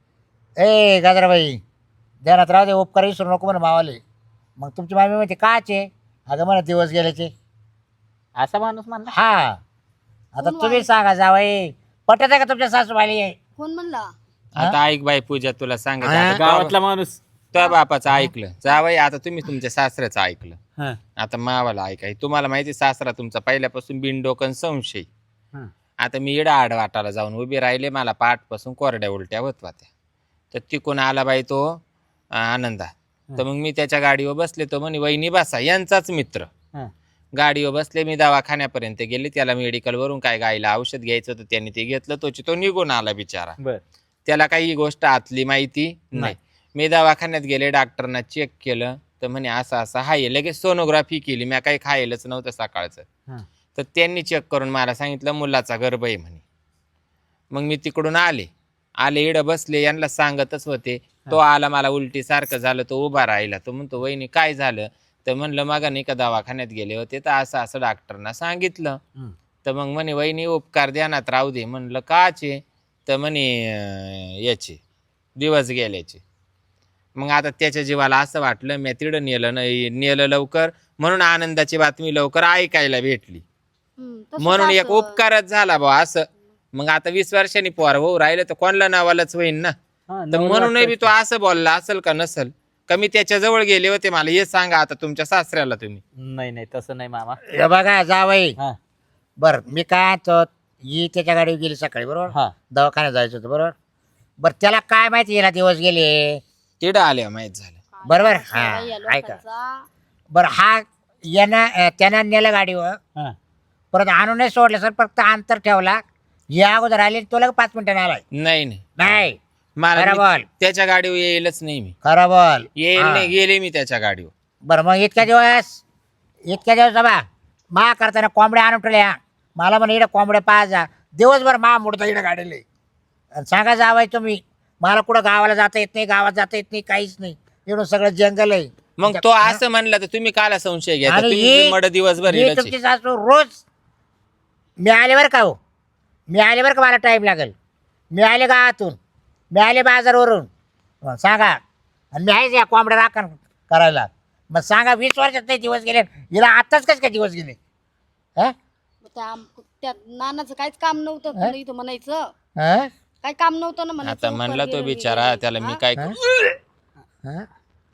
[SPEAKER 1] ए गाजराबाई ध्यानात राहू दे उपकार विसरू नको म्हणा मावाले मग तुमची मामी म्हणते काचे अगं म्हणा दिवस गेल्याचे
[SPEAKER 3] असा माणूस म्हणला
[SPEAKER 1] हा आता
[SPEAKER 4] कोण
[SPEAKER 1] तुम्ही
[SPEAKER 4] वाई?
[SPEAKER 1] सांगा जावई पटत आहे का तुमच्या सासूबाई
[SPEAKER 4] कोण म्हणला
[SPEAKER 2] आता ऐक बाई पूजा तुला
[SPEAKER 1] हा?
[SPEAKER 2] सांगायचं
[SPEAKER 3] गावातला माणूस
[SPEAKER 2] त्या बापाचं ऐकलं जावई आता तुम्ही तुमच्या सासऱ्याचं ऐकलं
[SPEAKER 3] हा
[SPEAKER 2] आता मावाला ऐकाय तुम्हाला माहिती सासरा तुमचा पहिल्यापासून बिनडोकन संशय
[SPEAKER 3] हा
[SPEAKER 2] आता मी इडा आड वाटाला जाऊन उभी राहिले मला पाठपासून कोरड्या उलट्या होत होत्या तर तिकून आला बाई तो अं, आनंदा. तर मग मी त्याच्या गाडीवर बसले, तो म्हणे वहिनी बसा, यांचाच मित्र.
[SPEAKER 3] हा.
[SPEAKER 2] गाडीवर बसले, मी दवाखान्यापर्यंत गेले, त्याला मेडिकलवरून काय गायला औषध घ्यायचं होतं त्यांनी ते घेतलं, तोची तो निघून आला बिचारा.
[SPEAKER 3] बर
[SPEAKER 2] त्याला काही ही गोष्ट आतली माहिती नाही.
[SPEAKER 3] नाही.
[SPEAKER 2] मी दवाखान्यात गेले, डॉक्टरना चेक केलं, तर म्हणे असं असं हाय. लगेच सोनोग्राफी केली, मी काही खायलाच नव्हतं सकाळचं.
[SPEAKER 3] हा.
[SPEAKER 2] तर त्यांनी चेक करून मला सांगितलं मुलाचा गर्भ आहे म्हणे. मग मी तिकडून आले आले इडं बसले, यांना सांगतच होते. तो आला, मला उलटी सारखं झालं, तो उभा राहिला. तो म्हणतो वहिनी काय झालं? तर म्हणलं मग नाही का दवाखान्यात गेले होते, तर असं असं डॉक्टरना सांगितलं.
[SPEAKER 3] हम्म.
[SPEAKER 2] तर मग म्हणे वहिनी उपकार ध्यानात राहू दे. म्हणलं काचे? तर म्हणे अं, याचे दिवस गेल्याचे. मग आता त्याच्या जीवाला असं वाटलं, मी तिकडं नेलं नाही, नेलं लवकर, म्हणून आनंदाची बातमी लवकर ऐकायला भेटली,
[SPEAKER 4] हम्म, तसंच
[SPEAKER 2] म्हणून एक
[SPEAKER 4] असं.
[SPEAKER 2] उपकारच झाला बा असं. मग आता वीस वर्षांनी पोर भाऊ राहिलं तर कोणला नावालाच होईन ना.
[SPEAKER 3] हा,
[SPEAKER 2] तर
[SPEAKER 3] नवल
[SPEAKER 2] म्हणूनही बी
[SPEAKER 3] वाटतं.
[SPEAKER 2] तो असं बोलला असेल का नसल का? मी त्याच्या जवळ गेले होते, मला हे सांगा आता तुमच्या सासऱ्याला तुम्ही.
[SPEAKER 3] नाही नाही तसं नाही मामा.
[SPEAKER 1] हे बघा जावई,
[SPEAKER 3] हा
[SPEAKER 1] बर मी काय तो ही त्याच्या गाडीवर गेली सकाळी बरोबर,
[SPEAKER 3] हा
[SPEAKER 1] दवाखान्यात जायचं होतं बरोबर. बर त्याला काय माहिती याला दिवस गेले
[SPEAKER 2] तिडं आल्या माहित झालं.
[SPEAKER 4] काय
[SPEAKER 1] बरोबर.
[SPEAKER 4] असं
[SPEAKER 1] हा,
[SPEAKER 4] बाई या
[SPEAKER 1] ऐका.
[SPEAKER 4] लोकांचा.
[SPEAKER 1] बर हा यानं अं, त्यानं नेलं गाडीवर,
[SPEAKER 3] हा
[SPEAKER 1] परत आणून नाही सोडलं सर, फक्त अंतर ठेवला. या अगोदर आले, तो लगे पाच मिनिटांनी आलाय.
[SPEAKER 2] नाही नाही
[SPEAKER 1] नाही
[SPEAKER 2] मला
[SPEAKER 1] खरं
[SPEAKER 2] मी
[SPEAKER 1] बोल.
[SPEAKER 2] त्याच्या गाडीवर येईलच नाही मी.
[SPEAKER 1] खरं बोल.
[SPEAKER 2] येईल
[SPEAKER 1] हा.
[SPEAKER 2] नाही, गेले मी त्याच्या गाडीवर.
[SPEAKER 1] बरं मग इतक्या दिवस इतक्या दिवस बा मा करताना कोंबड्या आणून ठेवल्या. मला म्हणे इकडे कोंबड्या पाहा, दिवसभर मा मोडता इकडे गाडीले. आणि सांगा जावाय तुम्ही, मला कुठं गावाला जाता येत नाही, गावात जाता येत नाही, काहीच नाही. एवढं सगळं जंगल आहे.
[SPEAKER 2] मग तो असं म्हणला तर तुम्ही काला संशय घ्या?
[SPEAKER 1] आणि
[SPEAKER 2] तुम्ही
[SPEAKER 1] ही-
[SPEAKER 2] मड दिवसभर
[SPEAKER 1] ही
[SPEAKER 2] इडच आहे.
[SPEAKER 1] तुमची सासू रोज मी आले बरं का हो, मी आले बरं का, मला टाईम लागेल. मी आले गावातून, मी आले बाजारवरून. मग सांगा, आणि मी आहेच या कोंबड्या राखण करायला. मग सांगा वीस वर्षात नाही दिवस गेले, हिला आताच कसे काय दिवस गेले? हा
[SPEAKER 4] त्या त्या नानाचं काहीच काम नव्हतं तुला इथं म्हणायचं.
[SPEAKER 1] हा?
[SPEAKER 4] काय काम नव्हतं ना म्हणायचं.
[SPEAKER 2] आता म्हणला तो
[SPEAKER 4] गेलं,
[SPEAKER 2] बिचारा,
[SPEAKER 4] गेलं.
[SPEAKER 2] त्याला मी
[SPEAKER 4] हा?
[SPEAKER 2] काय
[SPEAKER 1] हा?
[SPEAKER 2] करू?
[SPEAKER 1] हा?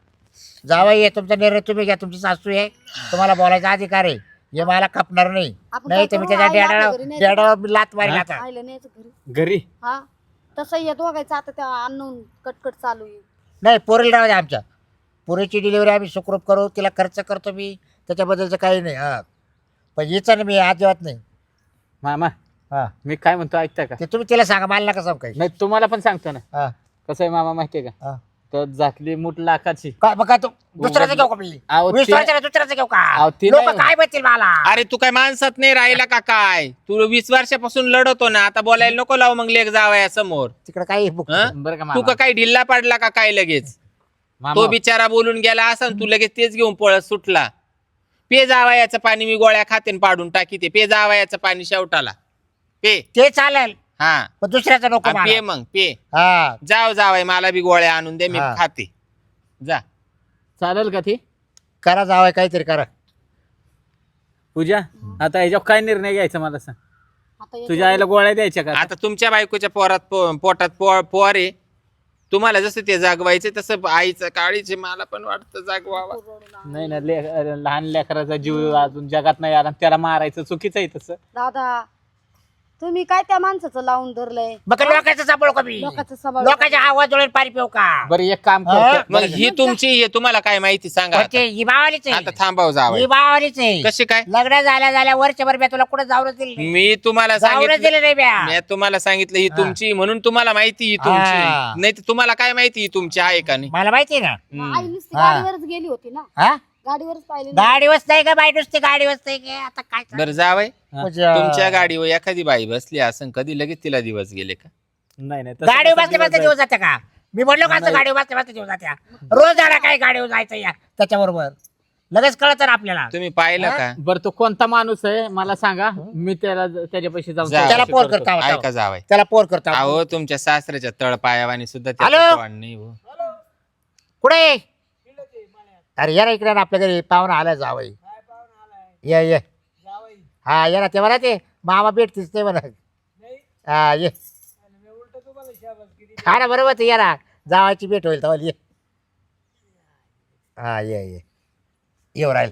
[SPEAKER 1] जावई आहे, तुमचा निर्णय तुम्ही घ्या. तुमची सासू आहे, तुम्हाला बोलायचा अधिकार आहे. हे मला खपणार नाही.
[SPEAKER 4] आपण
[SPEAKER 1] नाही
[SPEAKER 4] काय
[SPEAKER 1] तर मी
[SPEAKER 4] करू?
[SPEAKER 1] त्याच्या
[SPEAKER 4] आईला
[SPEAKER 1] डेडाला
[SPEAKER 4] आपल्या घरी न्यायचं
[SPEAKER 1] डेडाला मी लात मारील
[SPEAKER 3] हा?
[SPEAKER 1] आता.
[SPEAKER 4] आईला न्यायचं घरी.
[SPEAKER 3] घरी
[SPEAKER 4] हा तसं येत बघायचं आता त्या आणून कटकट चालू आहे.
[SPEAKER 1] नाही पोरीला राहू द्या आमच्या. पोरीची डिलिव्हरी आम्ही सुखरूप करू, तिला खर्च करतो मी, त्याच्याबद्दलचं काही नाही. हा पण हिचं ना मी अजिबात नाही.
[SPEAKER 3] मामा
[SPEAKER 1] हा
[SPEAKER 3] मी काय म्हणतो ऐकता का?
[SPEAKER 1] ते तुम्ही तिला सांगा, मला नका सांगू काही.
[SPEAKER 3] नाही तुम्हाला पण सांगतो ना.
[SPEAKER 1] हा
[SPEAKER 3] कसं आहे मामा माहितीये का?
[SPEAKER 1] हा
[SPEAKER 3] तर झाकली मूठ लाखाची.
[SPEAKER 1] काय मग काय तू दुसऱ्याचं घेऊ का मी?
[SPEAKER 3] अहो,
[SPEAKER 1] वीस
[SPEAKER 3] ते-
[SPEAKER 1] वर्षाला दुसऱ्याचं घेऊ का?
[SPEAKER 3] अहो, ते
[SPEAKER 1] लोक
[SPEAKER 3] नाही.
[SPEAKER 1] काय म्हणतील मला?
[SPEAKER 2] अरे तू काय माणसात नाही राहिला का काय? तू वीस वर्षापासून लढतो ना, आता बोलायला नको लावू मग लेख जावया समोर.
[SPEAKER 1] तिकडे काही बुक
[SPEAKER 2] हं?
[SPEAKER 3] बरं का
[SPEAKER 2] तू
[SPEAKER 3] मामा?
[SPEAKER 2] का काय ढिल्ला पडला का काय लगेच?
[SPEAKER 3] मामा
[SPEAKER 2] तो बिचारा बोलून गेला असा तू लगेच तेच घेऊन पळत सुटला. पे जावयाचं पाणी मी गोळ्या खातेन पाडून टाकी ते. पे जावयाचं पाणी शेवटाला पे.
[SPEAKER 1] ते चालेल,
[SPEAKER 2] हा
[SPEAKER 1] पण दुसऱ्याचं नको
[SPEAKER 2] आणि पे
[SPEAKER 1] मला.
[SPEAKER 2] मग पे.
[SPEAKER 1] हा
[SPEAKER 2] जाव जावाय मला बी गोळ्या आणून दे, मी
[SPEAKER 1] हा.
[SPEAKER 2] खाते. जा.
[SPEAKER 3] चालेल का ती
[SPEAKER 1] करा जावं काहीतरी करा.
[SPEAKER 3] पूजा? आता ह्याच्यावर काय निर्णय घ्यायचा मला सांग.
[SPEAKER 4] आता याच्या-
[SPEAKER 3] तुझ्या आईला गोळ्या द्यायच्या का?
[SPEAKER 2] आता तुमच्या बायकोच्या पोरात पो- पोटात पो- पोर आहे. तुम्हाला जसं ते जागवायचे तसं आईचं काळीचे मला पण वाटतं जागवावा.
[SPEAKER 3] नाही ना, ले लहान लेकराचा जीव अजून जगात नाही आला, त्याला मारायचं चुकीचं आहे तसं.
[SPEAKER 4] दादा तुम्ही काय त्या माणसाचं लावून धरलंय?
[SPEAKER 1] मग लोकांचं सांभाळू का मी?
[SPEAKER 4] लोकांचं सांभाळ.
[SPEAKER 1] लोकांच्या आवाज डोळे पाणी पिऊ का?
[SPEAKER 3] बरं एक काम
[SPEAKER 1] हा?
[SPEAKER 3] करतो.
[SPEAKER 2] मग ही तुमची हे तुम्हाला काय माहिती सांगा
[SPEAKER 1] पण
[SPEAKER 2] आता.
[SPEAKER 1] ते ही बावालीच
[SPEAKER 2] आता
[SPEAKER 1] आहे,
[SPEAKER 2] थांबाव जावं.
[SPEAKER 1] ही बावालीच आहे.
[SPEAKER 2] कशी काय?
[SPEAKER 1] लग्न झाल्या झाल्या वर्षभर मी तुला कुठे जाऊनच दिलं नाही.
[SPEAKER 2] मी तुम्हाला
[SPEAKER 1] जाऊनच
[SPEAKER 2] सांगितलं
[SPEAKER 1] दिलं नाही ब्या.
[SPEAKER 2] मी तुम्हाला सांगितलं ही
[SPEAKER 1] हा.
[SPEAKER 2] तुमची म्हणून तुम्हाला माहिती ही
[SPEAKER 1] हा.
[SPEAKER 2] तुमची. नाही तर तुम्हाला काय माहिती ही तुमची आहे का नाही?
[SPEAKER 1] मला माहिती आहे ना.
[SPEAKER 2] हम्म.
[SPEAKER 4] आई नुसती
[SPEAKER 1] हा.
[SPEAKER 4] गाडीवरच गेली होती ना,
[SPEAKER 1] हा
[SPEAKER 4] गाडीवरच पाहिली ना.
[SPEAKER 1] गाडीवरच नाही का बाई, नुसती गाडीवरच नाही का? आता काय सांगू?
[SPEAKER 2] बरं जावय
[SPEAKER 1] म्हणजे,
[SPEAKER 2] तुमच्या गाडीवर एखादी बाई बसली असं कधी लगेच तिला दिवस गेले का?
[SPEAKER 3] नाही नाही तसं
[SPEAKER 1] गाडीवर
[SPEAKER 3] कसं
[SPEAKER 1] बसले बसले
[SPEAKER 3] दिवस
[SPEAKER 1] दिवस जाते का? मी म्हणलो का असं
[SPEAKER 3] नाही.
[SPEAKER 1] गाडीवर बसले बसले दिवस जात्या? रोज जाणार काय गाडीवर जायचं या त्याच्याबरोबर लगेच कळत ना आपल्याला.
[SPEAKER 2] तुम्ही पाहिलं का?
[SPEAKER 3] जाईल. बरं तो कोणता माणूस आहे मला सांगा, मी त्याला त्याच्या पैसे जाऊन
[SPEAKER 2] जा.
[SPEAKER 1] त्याला
[SPEAKER 3] चौकशी
[SPEAKER 1] पोर
[SPEAKER 3] करतो.
[SPEAKER 1] करता
[SPEAKER 2] ऐका जावय.
[SPEAKER 1] त्याला पोर करता.
[SPEAKER 2] अहो तुमच्या सासऱ्याच्या तळपायावानी सुद्धा
[SPEAKER 1] हॅलो?
[SPEAKER 2] त्याचं तोंड नाही हो.
[SPEAKER 1] कुठे? अरे या ना इकडे ना, आपल्या घरी पाहुणा आला जावई. ये ये हा ये ना, ते म्हणा ते मामा भेटतीस ते म्हणा. हा ये हा ना, बरोबर ते ये ना, जावायची भेट होईल तेव्हा ये. हा ये ये येऊ राहील.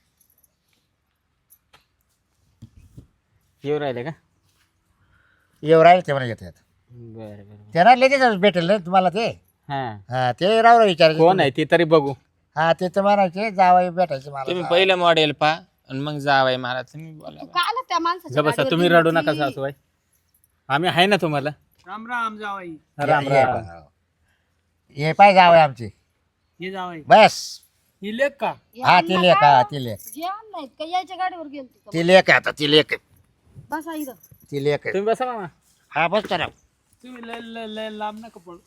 [SPEAKER 3] येऊ राहिले का?
[SPEAKER 1] येऊ राहील ते म्हणा येत
[SPEAKER 3] बरं बरं
[SPEAKER 1] ते ना लगेच भेटेल ना तुम्हाला ते.
[SPEAKER 3] हा
[SPEAKER 1] हा ते राव विचारायचे
[SPEAKER 3] कोण आहे ते तरी बघू.
[SPEAKER 1] हा ते तर म्हणायचे जावई भेटायचे
[SPEAKER 2] तुम्ही
[SPEAKER 1] मला.
[SPEAKER 2] पहिलं मॉडेल पा आणि मग जावाय मला तुम्ही बोला
[SPEAKER 4] तू काय आला त्या माणसाच्या
[SPEAKER 3] ग बसा
[SPEAKER 4] गाडीवर
[SPEAKER 3] तुम्ही
[SPEAKER 4] गेली
[SPEAKER 3] रडू नका
[SPEAKER 4] ती?
[SPEAKER 3] सासूबाई, आम्ही आहे ना तुम्हाला.
[SPEAKER 5] राम राम जावाई.
[SPEAKER 3] राम
[SPEAKER 1] ये- ये
[SPEAKER 3] राम.
[SPEAKER 1] पण. हे पाय जावई आमची
[SPEAKER 5] ये जावाई.
[SPEAKER 1] बस.
[SPEAKER 5] ही लेख का?
[SPEAKER 4] हे
[SPEAKER 1] हा
[SPEAKER 4] अण्णा
[SPEAKER 1] ती लेख
[SPEAKER 4] काय?
[SPEAKER 1] हा ती लेख
[SPEAKER 4] जे अण्णा आहेत का यायच्या गाडीवर गेलती का?
[SPEAKER 1] ती लेख आहे आता ती लेख आहे.
[SPEAKER 4] बसा इथं.
[SPEAKER 1] ती लेख आहे.
[SPEAKER 3] तुम्ही बसा मामा.
[SPEAKER 1] हा बस तर
[SPEAKER 5] तुम्ही लय लय लय लांब नका पडू.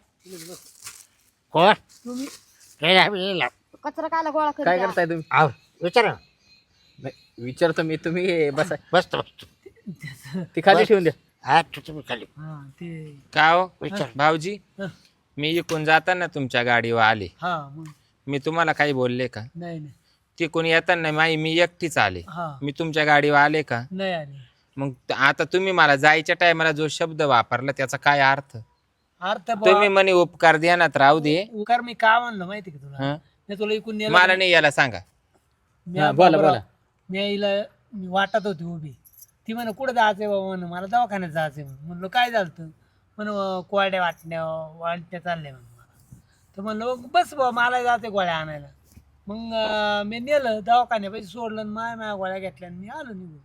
[SPEAKER 1] कोण
[SPEAKER 5] तुम्ही
[SPEAKER 1] काय आम्ही ला-
[SPEAKER 4] कचरा कायला गोळा करीत
[SPEAKER 3] काय
[SPEAKER 4] आहे?
[SPEAKER 3] करताय तुम्ही?
[SPEAKER 1] आव, विचार ना.
[SPEAKER 3] नाही, विचारतो मी, तुम्ही बसा.
[SPEAKER 1] बसतो बसतो
[SPEAKER 3] ती खाली
[SPEAKER 1] बस.
[SPEAKER 3] ठेवून द्या.
[SPEAKER 1] हा तू तुम्ही खाली
[SPEAKER 5] हा ते
[SPEAKER 2] का हो
[SPEAKER 1] विचार.
[SPEAKER 2] भाऊजी
[SPEAKER 5] हं.
[SPEAKER 2] मी इकून जाताना तुमच्या गाडीवर आले,
[SPEAKER 5] हा मग
[SPEAKER 2] मी तुम्हाला काही बोलले का?
[SPEAKER 5] नाही नाही
[SPEAKER 2] तिकून येताना माई मी एकटीच आले,
[SPEAKER 5] हा
[SPEAKER 2] मी तुमच्या गाडीवर आले का?
[SPEAKER 5] नाही आली.
[SPEAKER 2] मग त- आता तुम्ही मला जायच्या टायमाला जो शब्द वापरला त्याचा काय अर्थ?
[SPEAKER 5] अर्थ
[SPEAKER 2] तुम्ही म्हणे उपकार ध्यानात राहू दे.
[SPEAKER 5] उकार मी काय म्हणलं माहिती का तुला?
[SPEAKER 2] हं?
[SPEAKER 5] मी तुला इकून नेलं
[SPEAKER 2] मला
[SPEAKER 5] का?
[SPEAKER 2] नाही याला सांगा.
[SPEAKER 5] मी
[SPEAKER 3] हा, बोला,
[SPEAKER 5] बाबराव,
[SPEAKER 3] बोला.
[SPEAKER 5] मी आईला मी वाटत होती उभी. ती म्हणे कुठं जायचंय बाबा म्हणे मला दवाखान्यात जायचंय म्हणून. म्हणलं काय झालं? म्हण कोरड्या वाटण्या वाटण्या चालल्या म्हणून मला. तर म्हणलं "मग बस बाबा मला जायचंय गोळ्या आणायला." मग अं, मी नेलं दवाखान्यापाशी सोडलं आणि माय माया गोळ्या घेतल्या आणि मी आलो निघून.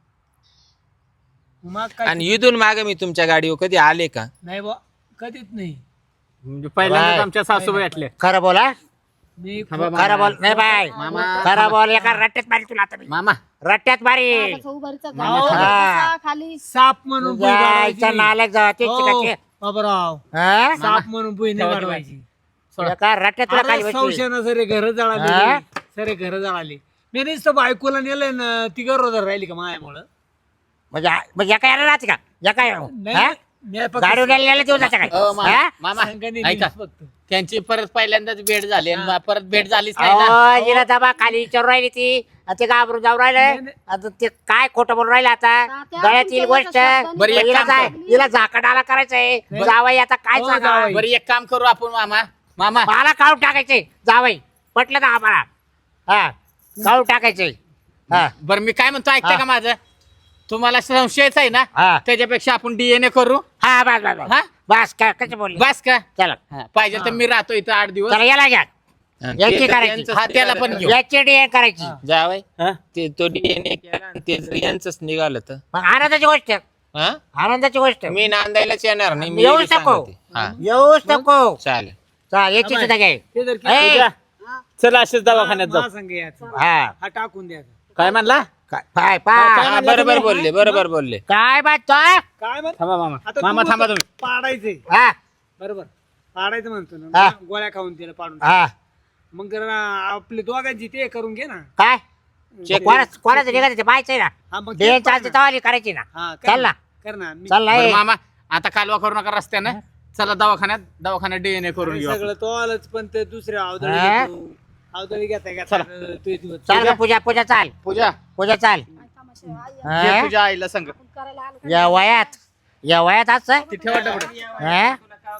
[SPEAKER 5] मग काय
[SPEAKER 2] आणि इथून मागे मी तुमच्या गाडीवर कधी आले का?
[SPEAKER 5] नाही बा कधीच नाही.
[SPEAKER 3] म्हणजे पहिल्यांदाच
[SPEAKER 1] बाय.
[SPEAKER 3] आमच्या सासूबाई असल्या.
[SPEAKER 1] खरं बोला.
[SPEAKER 5] मी
[SPEAKER 3] थांबा मामा.
[SPEAKER 1] खरं बोल नाही बाय
[SPEAKER 3] मामा.
[SPEAKER 1] खरं बोल. एका रट्ट्यात मारी तुला आता मी.
[SPEAKER 3] मामा
[SPEAKER 1] रट्ट्यात मारी.
[SPEAKER 4] बाबाचा उभारीचा
[SPEAKER 5] मामा.
[SPEAKER 4] झाला.
[SPEAKER 1] हा.
[SPEAKER 4] बसा खाली.
[SPEAKER 5] साप म्हणून बुई
[SPEAKER 1] जायचा
[SPEAKER 5] वाढवायची.
[SPEAKER 1] नालक जावा तेच
[SPEAKER 5] हो,
[SPEAKER 1] शिकायचे.
[SPEAKER 5] बाबराव
[SPEAKER 1] हा?
[SPEAKER 5] साप म्हणून बुई नाही
[SPEAKER 3] ठेवा, ठेवा.
[SPEAKER 5] वाढवायची.
[SPEAKER 1] एका रट्ट्यात तुला खाली
[SPEAKER 5] अरे
[SPEAKER 1] बसली.
[SPEAKER 5] संशयानं सरे घर
[SPEAKER 1] हा?
[SPEAKER 5] जळाले सरे घर जळाले. मी नुसतं बायकोला नेलंय ना ती गरोदर राहिली का मायामुळं.
[SPEAKER 1] म्हणजे म्हणजे एका यायला राहते का एका
[SPEAKER 5] नाही मी फक्त
[SPEAKER 1] गाडी उडायला देऊ जाता काय
[SPEAKER 3] अ, मामा
[SPEAKER 1] हा?
[SPEAKER 3] मामा
[SPEAKER 5] संघाने
[SPEAKER 3] ऐका,
[SPEAKER 5] नेलीच फक्त.
[SPEAKER 3] त्यांची परत पहिल्यांदाच भेट झाली आणि मा- परत भेट झालीच नाही ना.
[SPEAKER 1] अहो, हिला दबा खाली विचारू राहिली ती आणि ते घाबरून जाऊ राहिलं.
[SPEAKER 5] नाही.
[SPEAKER 1] आता ते काय खोटं बोलून राहिलं आता
[SPEAKER 4] तात्या,
[SPEAKER 1] गळ्यात
[SPEAKER 4] तुमच्या
[SPEAKER 1] येईल गोष्ट.
[SPEAKER 4] याच्या शब्दांनी
[SPEAKER 3] बरं, एक
[SPEAKER 1] हिला
[SPEAKER 3] काम
[SPEAKER 1] जाय
[SPEAKER 3] कर.
[SPEAKER 1] हिला झाकडाला करायचंय जावई आता काय
[SPEAKER 5] हो,
[SPEAKER 1] सांगा
[SPEAKER 5] जावई.
[SPEAKER 3] बरं एक काम करू आपण मामा. मामा
[SPEAKER 1] मला काढून टाकायचे जावई पटलं ना आम्हाला. हा काढून टाकायचे. हा
[SPEAKER 3] बरं मी काय म्हणतो ऐकता
[SPEAKER 1] हा.
[SPEAKER 3] का माझं? तुम्हाला संशयच आहे ना,
[SPEAKER 1] हा
[SPEAKER 3] त्याच्यापेक्षा आपण डीएनए करू.
[SPEAKER 1] हा बस बस बस.
[SPEAKER 3] हा
[SPEAKER 1] बस काय कसं बोलली
[SPEAKER 3] बस का?
[SPEAKER 1] चला
[SPEAKER 3] हा, पाहिजे तर मी राहतो इथं आठ दिवस.
[SPEAKER 1] चला याला घ्या
[SPEAKER 2] आणि
[SPEAKER 1] याची
[SPEAKER 2] ते तर
[SPEAKER 1] करायची.
[SPEAKER 2] यांचंच
[SPEAKER 3] हा, त्याला पण घेऊ.
[SPEAKER 1] याची डी करायची.
[SPEAKER 2] जावई
[SPEAKER 3] हा?
[SPEAKER 2] ते तो डीएनए केला आणि ते जर यांचंच निघालं तर
[SPEAKER 1] मग आनंदाची गोष्ट
[SPEAKER 2] हा?
[SPEAKER 1] आनंदाची गोष्ट
[SPEAKER 2] मी नांदायलाच येणार नाही. मी
[SPEAKER 1] येऊच
[SPEAKER 2] बी
[SPEAKER 1] नको.
[SPEAKER 2] सांगते. हा
[SPEAKER 1] येऊच नको.
[SPEAKER 2] चालेल.
[SPEAKER 1] चला याची सुद्धा घ्या.
[SPEAKER 5] ते जर
[SPEAKER 1] ए,
[SPEAKER 5] केलं-
[SPEAKER 3] चला असेच दवाखान्यात
[SPEAKER 5] मला
[SPEAKER 3] जाऊ.
[SPEAKER 5] संग यायचं.
[SPEAKER 1] हा
[SPEAKER 5] हा टाकून द्यायचा.
[SPEAKER 3] काय म्हणला?
[SPEAKER 1] काय पाय पाय
[SPEAKER 2] हा, बरोबर बोलले बरोबर बोलले.
[SPEAKER 1] काय बात तो
[SPEAKER 5] काय म्हण
[SPEAKER 3] थांबा मामा.
[SPEAKER 5] आता
[SPEAKER 3] मामा
[SPEAKER 5] तू
[SPEAKER 3] थांबा
[SPEAKER 5] म्हणतो
[SPEAKER 3] तुम्ही.
[SPEAKER 5] पाडायचंय
[SPEAKER 1] हा
[SPEAKER 5] बरोबर पाडायचं म्हणतो
[SPEAKER 1] हा.
[SPEAKER 5] ना गोळ्या खाऊन तिला पाडून.
[SPEAKER 1] हा
[SPEAKER 5] मग जरा आपली दोघांची ते करून घे ना.
[SPEAKER 1] काय
[SPEAKER 2] चेक.
[SPEAKER 1] कोणाच कोणाचं निघायचं ते पाहायचंय ना.
[SPEAKER 5] हा मग
[SPEAKER 1] डे
[SPEAKER 5] तेच पाड
[SPEAKER 1] चालते
[SPEAKER 5] ना.
[SPEAKER 1] तवाली करायची ना.
[SPEAKER 5] हा, कर
[SPEAKER 1] चल ना
[SPEAKER 5] कर ना मी-
[SPEAKER 1] चल ना
[SPEAKER 3] बरं
[SPEAKER 1] ए.
[SPEAKER 3] मामा आता कालवा करू नका रस्त्यानं. चला दवाखान्यात दवाखान्यात डीएनए करून
[SPEAKER 5] अरे
[SPEAKER 3] घेऊ आपण.
[SPEAKER 5] सगळं तो आलंच पण ते दुसऱ्या अवदळी
[SPEAKER 1] हा?
[SPEAKER 5] घेतो. अवदळी घेता घेता तू दिवस
[SPEAKER 1] चाल का पूजा पूजा चाल
[SPEAKER 3] पूजा
[SPEAKER 1] पूजा चाल.
[SPEAKER 4] काय तमाशा आहे? आई,
[SPEAKER 1] हा?
[SPEAKER 3] ये तुझ्या आईला सांग.
[SPEAKER 4] आपण करायला आलो का?
[SPEAKER 1] या वयात या वयात असं
[SPEAKER 3] ती ठेवा डबडं.
[SPEAKER 1] हा?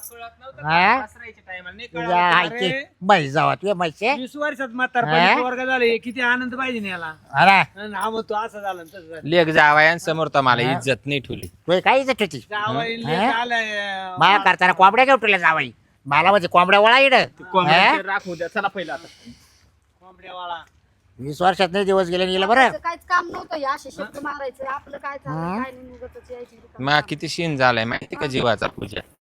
[SPEAKER 1] हा? तुझ्या आईची
[SPEAKER 5] अरे.
[SPEAKER 1] म्हैस जावा तुझ्या म्हैसे
[SPEAKER 5] वीस वर्षात
[SPEAKER 1] हा?
[SPEAKER 5] म्हातारपणी वर्ग झाले किती आनंद पाहिजे ना याला.
[SPEAKER 1] हा ना
[SPEAKER 5] आणि हा मग तो असं झालं आणि तसं झालं.
[SPEAKER 2] लेख जावयांसमोर तर मला
[SPEAKER 1] हा?
[SPEAKER 2] इज्जत नाही ठेवली.
[SPEAKER 1] तुझी काही इज्जत होती
[SPEAKER 5] जावई
[SPEAKER 1] हा?
[SPEAKER 5] लेक आलाय.
[SPEAKER 1] मला करताना कोंबड्या घेऊन तुला जावाई मला म्हणजे कोंबड्या वळा इड
[SPEAKER 3] कोंबड्याचे राखू द्या. चला पहिला आता.
[SPEAKER 5] कोंबड्यावाळा.
[SPEAKER 1] वीस वर्षात नाही दिवस गेले गेलं बरं.
[SPEAKER 4] त्याचं काहीच काम नव्हतं हे असे शब्द मारायचं आपलं काय चाललं काय नाही निघतच यायची रिकामी
[SPEAKER 2] मा किती शीन झालाय माहिती का जीवाचा पूजा.